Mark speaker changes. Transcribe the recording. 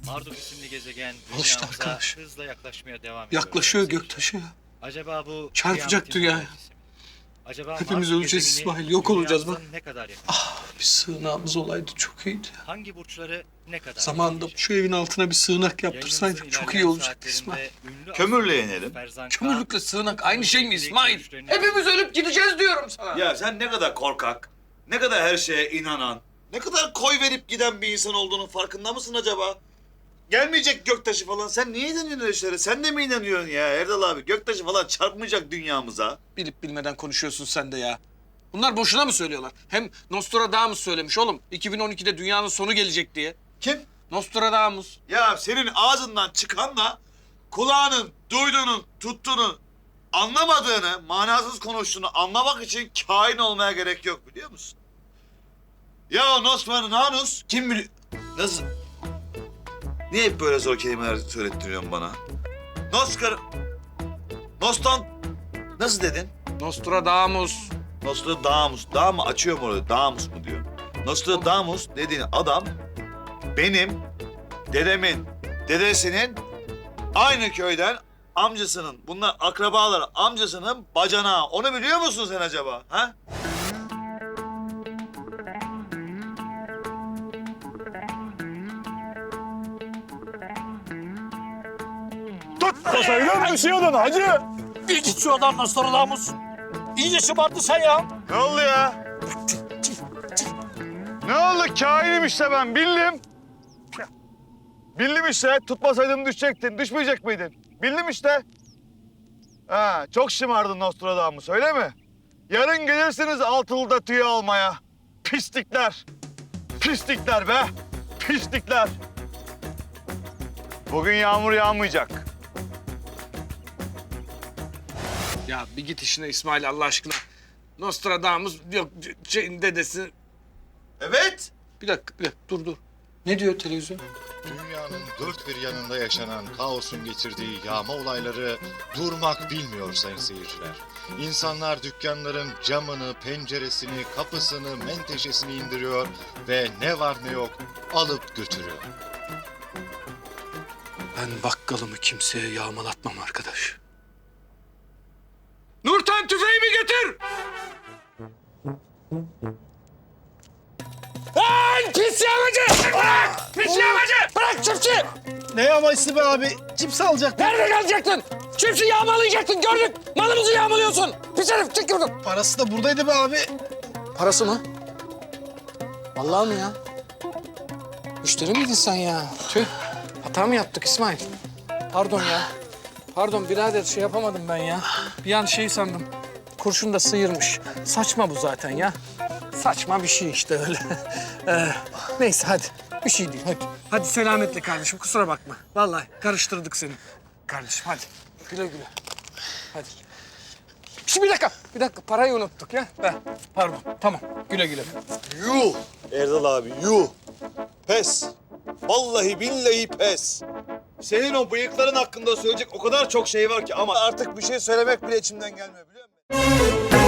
Speaker 1: Marduk isimli gezegen
Speaker 2: Al işte
Speaker 1: dünyamıza
Speaker 2: arkadaş.
Speaker 1: hızla yaklaşmaya devam ediyor.
Speaker 2: Yaklaşıyor
Speaker 1: sevgili
Speaker 2: göktaşı ya.
Speaker 1: Acaba bu
Speaker 2: Çarpacak
Speaker 1: kıyametin
Speaker 2: dünyaya.
Speaker 1: habercisi mi? Acaba
Speaker 2: Hepimiz
Speaker 1: Mars
Speaker 2: öleceğiz
Speaker 1: gezegeni
Speaker 2: İsmail, yok olacağız bak.
Speaker 1: dünyamıza ne kadar yakın?
Speaker 2: Bir sığınağımız olaydı çok iyiydi.
Speaker 1: Hangi burçları ne kadar
Speaker 2: Zamanında
Speaker 1: etkileyecek?
Speaker 2: şu evin altına bir sığınak yaptırsaydık
Speaker 1: Yayınımızın
Speaker 2: çok iyi
Speaker 1: ilerleyen
Speaker 2: olacaktı İsmail.
Speaker 1: saatlerinde ünlü
Speaker 3: Kömürle
Speaker 1: astrolog
Speaker 3: yenelim.
Speaker 1: Ferzan
Speaker 2: Kömürlükle
Speaker 1: Kağan,
Speaker 2: sığınak aynı şey mi
Speaker 1: direkt
Speaker 2: İsmail?
Speaker 1: görüşlerini-
Speaker 2: Hepimiz ölüp gideceğiz diyorum sana.
Speaker 3: Ya sen ne kadar korkak, ne kadar her şeye inanan, ne kadar koy verip giden bir insan olduğunun farkında mısın acaba? Gelmeyecek göktaşı falan. Sen niye inanıyorsun öyle şeylere? Sen de mi inanıyorsun ya Erdal abi? Göktaşı falan çarpmayacak dünyamıza.
Speaker 2: Bilip bilmeden konuşuyorsun sen de ya. Bunlar boşuna mı söylüyorlar? Hem Nostradamus söylemiş oğlum. 2012'de dünyanın sonu gelecek diye.
Speaker 3: Kim?
Speaker 2: Nostradamus.
Speaker 3: Ya senin ağzından çıkanla kulağının duyduğunun, tuttuğunu, anlamadığını, manasız konuştuğunu anlamak için kain olmaya gerek yok biliyor musun? Ya Nostradamus kim biliyor? Nasıl? Niye hep böyle zor kelimeler söylettiriyorsun bana? Nostan... Nasıl dedin?
Speaker 2: Nostradamus.
Speaker 3: Nostradamus. Dağ mı? Açıyor mu orada? Damus mu diyor? Nostradamus dediğin adam benim dedemin dedesinin aynı köyden amcasının, bunlar akrabalar, amcasının bacanağı. Onu biliyor musun sen acaba? Ha?
Speaker 4: Sayılar düşüyordun hacı. Bir git şu adam Nostradamus. İyice şımarttı sen ya.
Speaker 3: Ne oldu ya? Ne oldu? Kainim işte ben. Bildim. Bildim işte. Tutmasaydım düşecektin. Düşmeyecek miydin? Bildim işte. Ha, çok şımardın Nostradamus öyle mi? Yarın gelirsiniz Altılı'da tüy almaya. Pislikler. Pislikler be. Pislikler. Bugün yağmur yağmayacak.
Speaker 2: Ya bir git işine İsmail Allah aşkına. Nostradamus yok şeyin dedesi.
Speaker 3: Evet.
Speaker 2: Bir dakika dur. Ne diyor televizyon?
Speaker 5: Dünyanın dört bir yanında yaşanan kaosun getirdiği yağma olayları durmak bilmiyor sayın seyirciler. İnsanlar dükkanların camını, penceresini, kapısını, menteşesini indiriyor ve ne var ne yok alıp götürüyor.
Speaker 2: Ben bakkalımı kimseye yağmalatmam arkadaş. Nurten tüfeğimi getir! Lan pis yağmacı! Bırak! Pis yağmacı! Bırak çiftçi!
Speaker 4: Ne yağması be abi? Cips alacak.
Speaker 2: Nerede kalacaktın? Çiftçi yağmalayacaktın gördük. Malımızı yağmalıyorsun. Pis herif çık buradan.
Speaker 4: Parası da buradaydı be abi.
Speaker 2: Parası mı? Vallahi mi ya? Müşteri miydin sen ya? Tüh. Hata mı yaptık İsmail? Pardon ya. Pardon birader şey yapamadım ben ya. Bir an şey sandım. Kurşun da sıyırmış. Saçma bu zaten ya. Saçma bir şey işte öyle. Neyse hadi. Bir şey değil hadi. Hadi selametle kardeşim kusura bakma. Vallahi karıştırdık seni. Kardeşim hadi. Güle güle. Hadi. Şimdi bir dakika parayı unuttuk ya. Pardon tamam güle güle.
Speaker 3: Yuh Erdal abi yuh. Pes. Vallahi billahi pes. Senin o bıyıkların hakkında söyleyecek o kadar çok şey var ki ama artık bir şey söylemek bile içimden gelmiyor biliyor musun?